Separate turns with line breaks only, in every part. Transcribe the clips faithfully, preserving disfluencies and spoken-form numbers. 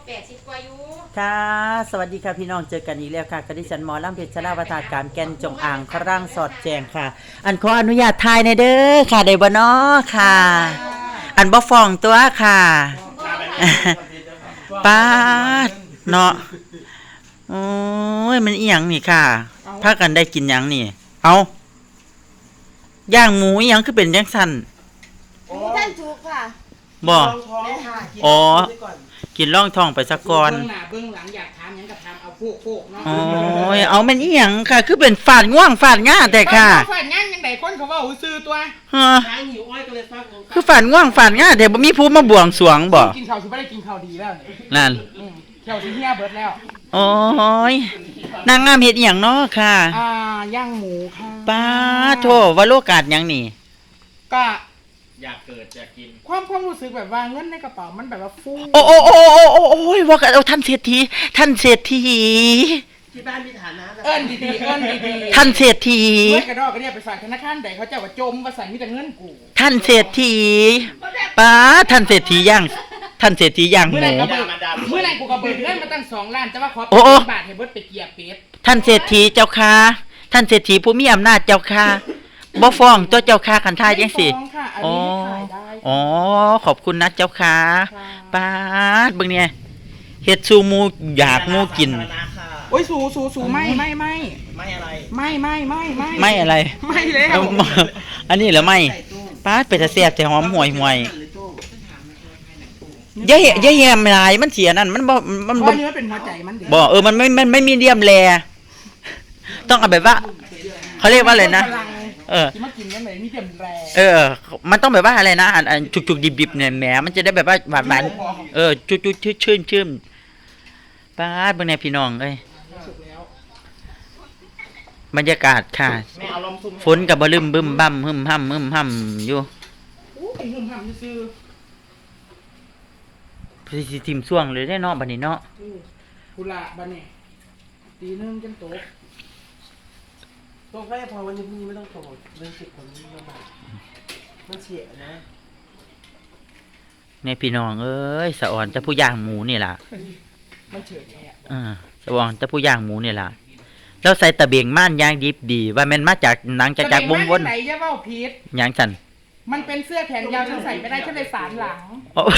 แปดสิบกว่าอยู่
ค่ะสวัสดีค่ะพี่น้องเจอกันอีกแล้วค่ะกดิฉันหมอลำเพชรชลาวตาการแก่นจงอ่างครั่งสอดแจงค่ะ อันขออนุญาตทายในเด้อค่ะได้บ่น้อค่ะ อันบ่ฟ้องตัวค่ะป้าดเนาะโอ้ยมันอีหยังนี่ค่ะพากันได้กินหยังนี่เอาย่างหมูอีหยังคือเป็นจังซั่น
ท่านถูกค่ะ
บ่ อ๋อ
กิน
กินร่องท้องไปซะก่อน
เบื้องหน้าเบื้องหลังอยากถามหยังก็ถามเอาโฟกโฟกเนาะ
โอ้ยเอามันอีหยังค่ะ คือเป็นฝาดง่วงฝาดง่าแต่ค่ะ
ฝาดงานยังไงคนเขาว่าหูซื้อตัว
ฮะ
ทางหิวอ้อยก็เลยฟักลง
คือฝาดง่วงฝาดง่าแต่บ่มีผู้มาบวงสรวงบ่
กินข้าวสิบ่ได้กินข้าวดีแล้วนี่
นั่น
อืมเที่ยวสิเฮียเบิดแล้ว
โอ้ยนางงามเฮ็ดอีหยังเนาะค่ะ
อ่าย่างหมูค่ะ
ป้าโธ่ว่าโลกาดหยังนี่
ก็
อยากเกิดอยากกิน
ความความรู้สึกแบบว่าเงินในกระเป๋ามันแบบว่าฟู
โอ้โอ้โอ้โอ้โอ้โอ้ยว่ากันเอาท่านเศรษฐีท่านเศรษฐี
ที่บ้านมีฐานะ
เอิ้นดีๆเอิ้นดีๆ
ท่านเศรษฐี
เงินกระดอกกระเดียไปฝากธนาคารใดเขาเจ้าว่าจมว่าสั่นมีแต่เงินกู
ท่านเศรษฐีป้าท่านเศรษฐีย่างท่านเศรษฐีย่างห
เมื่อ
มู
ไหร่ก็เบิกเมื่อไหร่กูก็เบิกเงินมาตั้งสองล้านแต่ว่าขอ
โอ้โอ้
บาทให้เบิดไปเกียร์เป็ด
ท่านเศรษฐีเจ้าค่ะท่านเศรษฐีผู้มีอำนาจเจ้าค่ะบ่ฟ้องตัวเจ้าค่ะคันทายจังสิ
ไม่ฟ้องค่ะอัน
อ๋อ
นี้ให้ขายได้
อ๋อขอบคุณนะเจ้าค่ะ
ค่ะ
ป้าดเบิ่งเนี่ยเฮ็ดซูหมูอยากหมูกิน
ฐานะค่ะ
โอ้ยสูสูสูไม่ไม่ไม่
ไม่อะไร
ไม่ไม่ไม่ไม่
ไม่อะไร
ไม่แล้ว
เอาอันนี้เหรอไม่ป้าดไปแต่แซ่บแต่หอมห่วยห่วยอย่าเหอย่าแยมหลายมันเสียนั่นมันบ่มัน
เพ
บ่
ราะเนื้อเป็นหัวใจมันเด็
บ่เออมันไม่มันไม่มีเดียมแลต้องเอาแบบว่าเขาเรียกว่าอะไรนะเออ
ที่มากินยังไงมีเต็มแรง
เออ มันต้องแบบว่าอะไรนะอันอันจุกๆดิบๆเนี่ยแหมมันจะได้แบบว่าหวานหวานๆเออจุกๆชื่นๆชื่นป้าดเบิ่งแน่พี่น้องเอ้ย
สุกแล้ว
บรรยากาศค่ะ
ไม่เอาลมซุ่ม
ฝนก็บ่ลืมบึ้มบั่มหึมห่ำหึมห่ำอยู่
อู้เป็นหุ่มห่ำซื่อ
สิทิมช่วงเลยได้เนาะบัดนี้เนาะ
ๆอู้กุหลาบบ้านนี่ตีหนึงจนโตก
ต้องแค่พอวันนี้พรุ่งนี้ไม่ต้องโทรเรื่องสิบคนนี้ลำบากมันเสียนะ
ในพี่น้องเอ้ยสะอ่อนจะผู้ย่างหมูนี่ล่ะ
มันเฉิดแอะ
อ่าสะอ่อนจะผู้ย่างหมูนี่ล่ะแล้วใส่ตะเบียงม่านย่างดิบดีว่าแม่นมาจากหนังจากจากวงวน
แสดงาไหนจะเว้าผิด
หยังสั่น
มันเป็นเสื้อแขนยาวฉันใส่ไม่ได้ฉันเลยสารหลัง
โอ้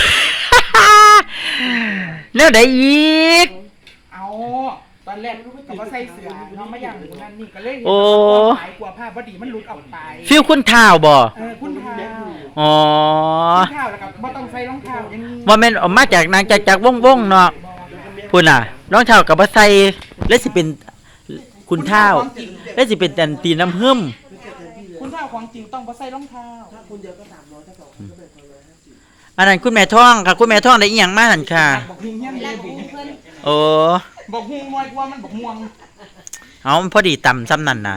แล้วได้อีก
เอาตอนแรกก็ว่าใส่เสื้อน้องมาอย่างนั้นนี่ก็เลย
โอ้
หายกลัวผ้าพอดีมันหลุดออกไป
ฟิลคุณท้าวบ่
เออคุณเท้า
อ๋อ
คุณเท้าแล้วก็บ่ต้องใส่รองเท้าอย่างนี้
ว่าแม่นออกมาจากหนังจากจากวงวงเนาะพุ่นน่ะรองเท้ากับบ่ใส่แล้วสิเป็นคุณท้าวแล้วสิเป็นอันตีน้ำหึม
คุณเท้าของจริงต้องบ่ใส่รองเท้า
ถ้าคุณเดียวก็สามร้อยถ้าสองคนก็เป็นคนละห้าสิบ
อันนั้นคุณแม่ท่องค่ะคุณแม่ท่องได้อีหยังมาหั่นค่ะ
บอกเฮียเฮียนเลยบิ
โอ้
บอกฮูงวยกว่ามันบอกม่วง
เอามันพอดีต่ำซ้ำนั่นน่ะ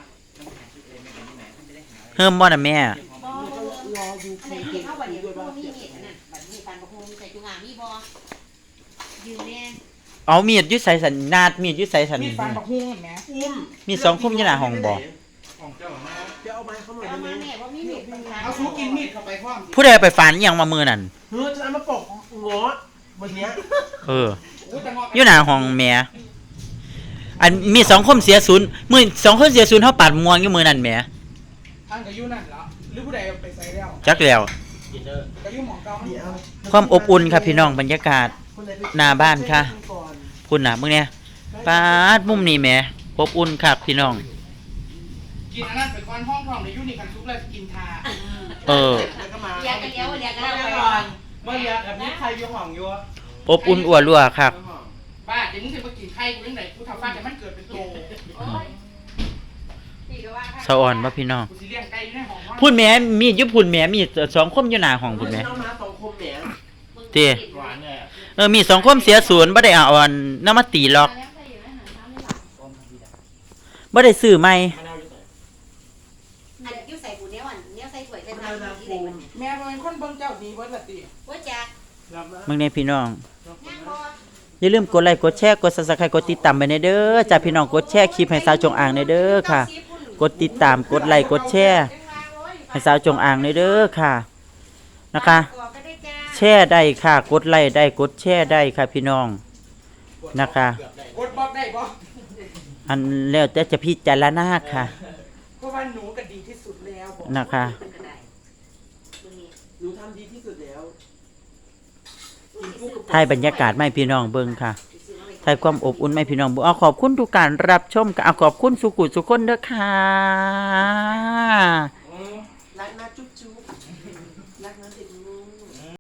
เฮิ่มบ่น่ะแม่
รออยู่ใส่เก็บเข้าบัดนี้พวกมีเห็ดอันนั้นบัดนี้ปานบักฮงใส่จุงอ่างมีบ่ยืนแน่
เอามีดอยู่ใส่สันนาดมีดอยู่ใส่สัน
มีดฟันบอกฮูงเห็นไหม
อุ้ม
มีสองคุ้มอยู่หน้าห้องบ่
เดี๋ยวเอาไม้เข้ามา
เอา
ได้ไหม
มาแม่ว่ามีเห็ดเป็นทาง
เอาสู้กินมีดเข้าไปพร้อม
ผู้ใดเอาไปฝานอีหยังมามือนั่น
เฮ้ยจะเอามาปกงอวันเนี้ย
เออ
อู้แต่งอก
อยู่หน้าห้องแม่อันมีสองคมเสียศูนย์มือสองคนเสียศูนย์เฮาปาดม่วงอยู่มือนั่นแหม
อันก็อยู่นั่นเหรอหรือผู้ใดเอาไปใส่แล้ว
จักแล้ว
กินเด้อ
ก็อยู่หมองเก่า
เดี๋ยว
ความอบอุ่นครับพี่น้องบรรยากาศ
คนไหไป
หน้าบ้านค่ะ
ก่อน
คุณน่ะมึงเนี่ยปาดมุมนี้แหมอบอุ่นครับพี่น้อง
กินอันนั้นไปก่อนห้องทองในยูนิคันซุปแล้วกินทา
เออ
แล้วก็มา
เรียกกันแล้วเรียกกัน
เมื่
แล้
อ
ว
ก่อนเมื่อเรียกแบบนี้ใครอยู่ห้องอยู่
อบอุ่นอั่วรั่วครับ
บ้าเดี๋ยวมึงจะมากินไข่กูยังไงกูทำฟ้าแต่มันเกิดเป็นโต
โอ้ยพี่ก็ว่า
สะอ่อนบ่พี่น้อง
กูสิเลี้ยงไก่อยู่ในห้องนอน
พูดแหม่มีดอยู่พูดแหม่มีสองคมอยู่หน้าห้องพูดแหม่
เอามาสองคมแหน
เต้
หวานเลย
เออมีสองคมเสียศูนย์บ่ได้เอาอันน้ำมาตีหรอกบ่ได้ซื้อใหม่
มะนาวอยู่ไหน
อันยิ้วใส่ปูเนี้ยวันเนี้ยใส่ถ้วยใส่น้ำที่ไหนมัน
แม่เป็นคนเบิ่งเจ้าดีเบิ่ละติ
ว่าจัก
รับมา
มึงเนี่ยพี่น้อง
ย่างบ่
อย่าลืมกดไลค์กดแชร์กด Subscribe กดติดตามไปในเด้อจ้าพี่น้องกดแชร์คลิปให้สาวจงอางในเด้อค่ะ กดติดตามกดไลค์กดแชร์ให้สาวจงอางในเด้อค่ะนะคะ แชร์ได้ค่ะ กดไลค์ได้กดแชร์ได้ค่ะพี่น้องนะคะ
กดบล็อกได้บ่
อันแล้วแต่จะพิจารณาค่ะ
เพราะว่าหนูก็ดีที่สุดแล้วบอก
นะคะ
มันก็ได้มื้อนี้
หนูทำดีที่สุดแล้วกินกุ้งกับ
ถ่ายบรรยากาศไม่พี่น้องเบิ่งค่ะถ่ายความอบอุ่นไม่พี่น้องเบิ่งเอาขอบคุณทุกการรับชมค่ะเอาขอบคุณสุขุสุขคนเด้อค่ะ